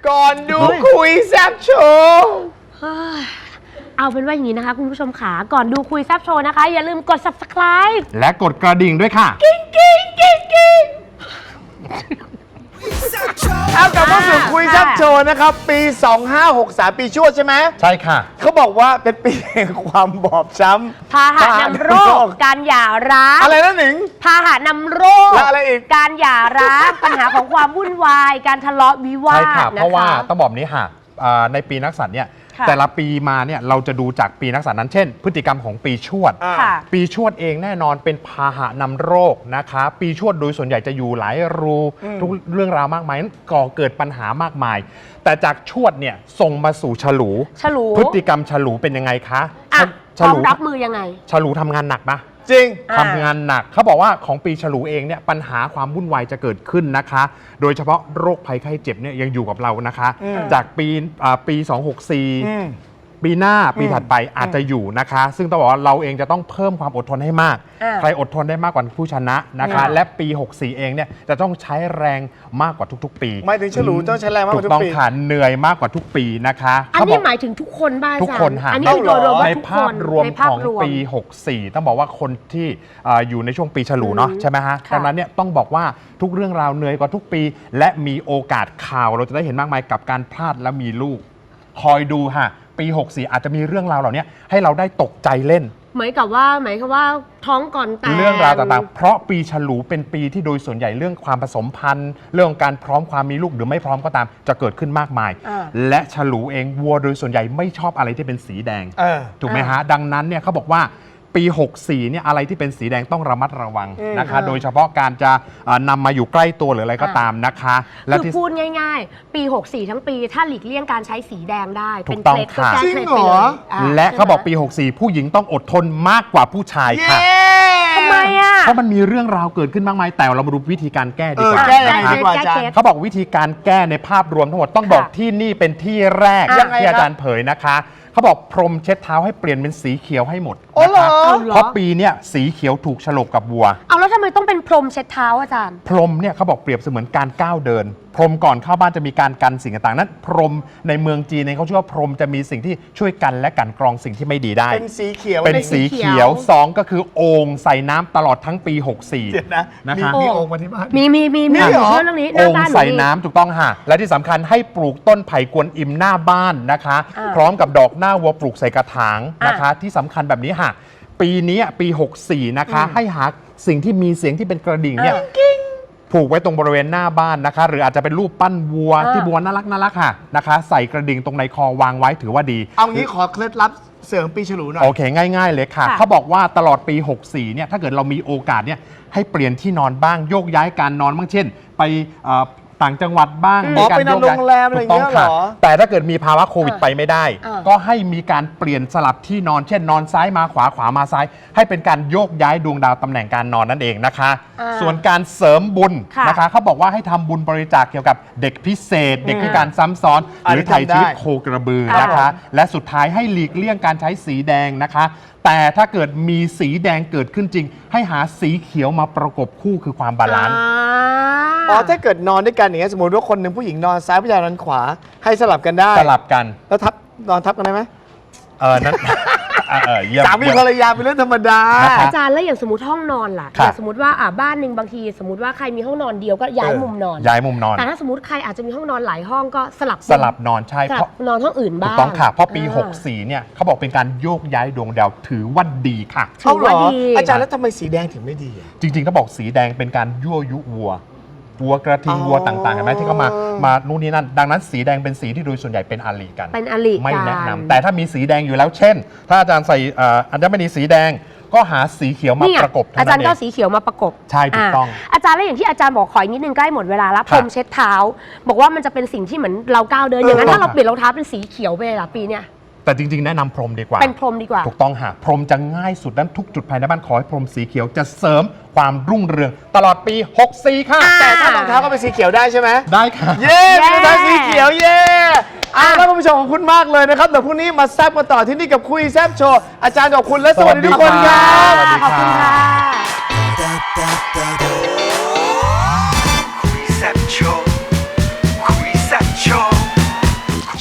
ก่อนดูคุยแซ่บโชว์เอาเป็นว่าอย่างนี้นะคะคุณผู้ชมขาก่อนดูคุยแซ่บโชว์นะคะอย่าลืมกด subscribe และกดกระดิ่งด้วยค่ะเอากลับมาสู่คุยแซ่บโชว์นะครับปี 2563 ปีชวดใช่ไหมใช่ค่ะเขาบอกว่าเป็นปีแห่งความบอบช้ำพาหะนำโรคการหย่าร้างอะไรนะหนิงพาหะนำโรคและอะไรอีกการหย่าร้างปัญหาของความวุ่นวายการทะเลาะวิวาใช่ทค่ะนะคะเพราะว่าต้องบอกนี้ค่ะในปีนักษัตริย์เนี่ยค่ะแต่ละปีมาเนี่ยเราจะดูจากปีนักษัตริย์นั้นเช่น พฤติกรรมของปีชวดค่ะปีชวดเองแน่นอนเป็นพาหะนำโรคนะคะ ปีชวดโดยส่วนใหญ่จะอยู่หลายรูทุกเรื่องราวมากมายนั้นก่อเกิดปัญหามากมาย แต่จากชวดเนี่ยส่งมาสู่ฉลูฉลูพฤติกรรมฉลูเป็นยังไงคะอ่ะพฉร้อมลูรับมือยังไงฉลูทำงานหนักปะจริงทำงานหนักเขาบอกว่าของปีฉลูเองเนี่ยปัญหาความวุ่นวายจะเกิดขึ้นนะคะ โดยเฉพาะโรคภัยไข้เจ็บเนี่ยยังอยู่กับเรานะคะ จากปี 264 ปีหน้าปีถัดไปอาจจะอยู่นะคะ ซึ่งต้องบอกว่าเราเองจะต้องเพิ่มความอดทนให้มาก ใครอดทนได้มากกว่าผู้ชนะนะคะ และปี 64 เองเนี่ยจะต้องใช้แรงมากกว่าทุกๆ ปีหมายถึงฉลูต้องใช้แรงมากกว่าทุกปีถูกต้องค่ะเหนื่อยมากกว่าทุกปีนะคะอันนี้หมายถึงทุกคนบ้างทุกคนค่ะอันนี้คือโดยรวมว่าในทุกภาคพนรวมในขภาพองรวมปี 64 ต้องบอกว่าคนที่อยู่ในช่วงปีฉลูเนาะใช่ไหมฮะค่ะดังนั้นเนี่ยต้องบอกว่าทุกเรื่องราวเหนื่อยกว่าทุกปี และมีโอกาสข่าวเราจะได้เห็นมากมายกับการพลาดและมีลูก คอยดูค่ะ ปี 64 อาจจะมีเรื่องราวเหล่านี้ให้เราได้ตกใจเล่นหมายความว่าท้องก่อนแต่งเรื่องราวต่างๆ เพราะปีฉลูเป็นปีที่โดยส่วนใหญ่เรื่องความผสมพันธุ์เรื่องการพร้อมความมีลูกหรือไม่พร้อมก็ตามจะเกิดขึ้นมากมาย และฉลูเองวัวโดยส่วนใหญ่ไม่ชอบอะไรที่เป็นสีแดง ถูกไหมฮะ ดังนั้นเนี่ยเขาบอกว่าปี 64 เนี่ยอะไรที่เป็นสีแดงต้องระมัดระวังนะคะ โดยเฉพาะการจะนำมาอยู่ใกล้ตัวหรืออะไรก็ตามนะคะและคือที่พูดง่ายๆ ปี 64 ทั้งปี ถ้าหลีกเลี่ยงการใช้สีแดงได้ถูเป็นกต้องเคล็ดก็ค่ะแก้จริเคล็ดงเหรไปอเลยและเขาบอกปีใช่ไหม 64 ผู้หญิงต้องอดทนมากกว่าผู้ชายค่ะทำไมอ่ะเพราะมันมีเรื่องราวเกิดขึ้นมากมายแต่เรามาดูวิธีการแก้ดีกว่าแก้ยังไงนะคะดีกว่าอาจารย์เขาบอกวิธีการแก้ในภาพรวมทั้งหมดต้องบอกที่นี่เป็นที่แรกยังไงที่อาครับจารย์เผยนะคะเขาบอกพรมเช็ดเท้าให้เปลี่ยนเป็นสีเขียวให้หมดโอ้นะเหรคะอเพราะปีเนี้ยสีเขียวถูกฉลกกับวัวเอาแล้วทำไมต้องเป็นพรมเช็ดเท้าอาจารย์พรมเนี่ยเขาบอกเปรียบเสมือนการก้าวเดิน พรมก่อนเข้าบ้านจะมีการกันสิ่งต่างๆนั้นพรมในเมืองจีนเนี่ยเขาเชื่อว่าพรมจะมีสิ่งที่ช่วยกันและกันกรองสิ่งที่ไม่ดีได้เป็นสีเขียวเป็นสีเขียว2ก็คือโอ่งใส่น้ำตลอดทั้งปี 64 เดี๋ยวนะนะคะมีโอ่งมาที่บ้านมีนี่เหรอเรื่องนี้หโอ่น้าง บ้านหนูใส่มีน้ำถูกต้องค่ะ และที่สำคัญให้ปลูกต้นไผ่กวนอิมหน้าบ้านนะคะอ่าพร้อมกับดอกหน้าวัวปลูกใส่กระถางนะคะอ่าที่สำคัญแบบนี้ค่ะ ปีนี้ปี 64 นะคะ ให้หาสิ่งที่มีเสียงที่เป็นกระดิ่งเนี่ยผูกไว้ตรงบริเวณหน้าบ้านนะคะ หรืออาจจะเป็นรูปปั้นวัวที่วัวน่ารักค่ะนะคะ ใส่กระดิ่งตรงในคอวางไว้ถือว่าดีเอางี้ขอเคล็ดลับเสริมปีฉลูหน่อยโอเค ง่าย ๆ เลยค่ะค่ะเขาบอกว่าตลอดปี 64 เนี่ย ถ้าเกิดเรามีโอกาสเนี่ย ให้เปลี่ยนที่นอนบ้าง โยกย้ายการนอนบ้าง เช่น ไปต่างจังหวัดบ้างอ๋อมีการไปนอนโยกย้ายโรงแรมอะไรอย่างเงี้ยถูกต้ค่ะเหรอแต่ถ้าเกิดมีภาวะโควิดไปไม่ได้อ่าก็ให้มีการเปลี่ยนสลับที่นอน เช่น นอนซ้ายมาขวา ขวามาซ้าย ให้เป็นการโยกย้ายดวงดาวตำแหน่งการนอนนั่นเองนะคะ ส่วนการเสริมบุญค่ะนะคะ เขาบอกว่าให้ทำบุญบริจาคเกี่ยวกับเด็กพิเศษ เด็กพิการซ้ำซ้อน หรือไถ่ชีวิตโคกระบือนะคะ และสุดท้ายให้หลีกเลี่ยงการใช้สีแดงนะคะ แต่ถ้าเกิดมีสีแดงเกิดขึ้นจริง ให้หาสีเขียวมาประกบคู่คือความบาลานซ์อ๋อถ้าเกิดนอนด้วยกันอย่างเงี้ยสมมติว่าคนหนึ่งผู้หญิงนอนซ้ายผู้ชายนอนขวาให้สลับกันได้สลับกันแล้วนอนทับกันได้ไหมนั้น เยี่ยมสามีภรรยาเป็นเรื่องธรรมดานะครับอาจารย์แล้วอย่างสมมติห้องนอนล่ะครับอย่างสมมติว่าบ้านหนึ่งบางทีสมมติว่าใครมีห้องนอนเดียวก็ย้ายมุมนอนย้ายมุมนอนแต่ถ้าสมมติใครอาจจะมีห้องนอนหลายห้องก็สลับสลับนอนใช่สเพลับราะนอนห้องอื่นถูบ้าก งต้องค่ะ เพราะปีอ่า 64 เนี่ยเขาบอกเป็นการโยกย้ายดวงดาวถือว่าดีค่ะถือว่าดีอาจารย์แล้วทำไมสีแดงถึงไม่ดีอะจริงๆต้องบอกสีแดงเป็นการยั่วยุวัวกระทิงอ๋อวัวต่างๆเห็นไหมที่เขามานู่นนี่นั่น ดังนั้นสีแดงเป็นสีที่โดยส่วนใหญ่เป็นอาลีกันเป็นอลิไม่กัแนะนำแต่ถ้ามีสีแดงอยู่แล้วเช่น ถ้าอาจารย์ใส่อัญมณีสีแดงก็หาสีเขียวมานี่ไงประกบเท่าอาจารนั้นย์เอก็งสีเขียวมาประกบใช่ถูกต้องอาจารย์แล้วอย่างที่อาจารย์บอกขออีกนิดนึงใกล้หมดเวลาแล้วพรมเช็ดเท้า บอกว่ามันจะเป็นสิ่งที่เหมือนเราก้าวเดินอย่างนั้นถูกต้ถ้าองเราเปลี่ยนรองเท้าเป็นสีเขียวไปเลยล่ะปีเนี้ยแต่จริงๆ แนะนำพรมดีกว่าเป็นพรมดีกว่าถูกต้องค่ะพรมจะง่ายสุดนั้นทุกจุดภายในบ้านขอให้พรมสีเขียวจะเสริมความรุ่งเรืองตลอดปี 64 ค่ะแต่ถ้ารองเท้าก็เป็นสีเขียวได้ใช่ไหมได้ค่ะเย้รองเท้าสีเขียวเย้แล้วคุณผู้ชมขอบคุณมากเลยนะครับเดี๋ยวพรุ่งนี้มาแซ่บกันต่อที่นี่กับคุยแซ่บโชว์อาจารย์ขอบคุณและสวัสดีทุกคนครับสวัสดีขอบคุณค่ะคุยแซ่บโชว์คุยแซ่บโชว์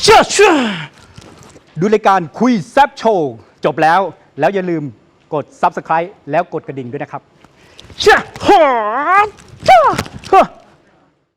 ดูรายการคุยแซบโชว์จบแล้ว แล้วอย่าลืมกด Subscribe แล้วกดกระดิ่งด้วยนะครับ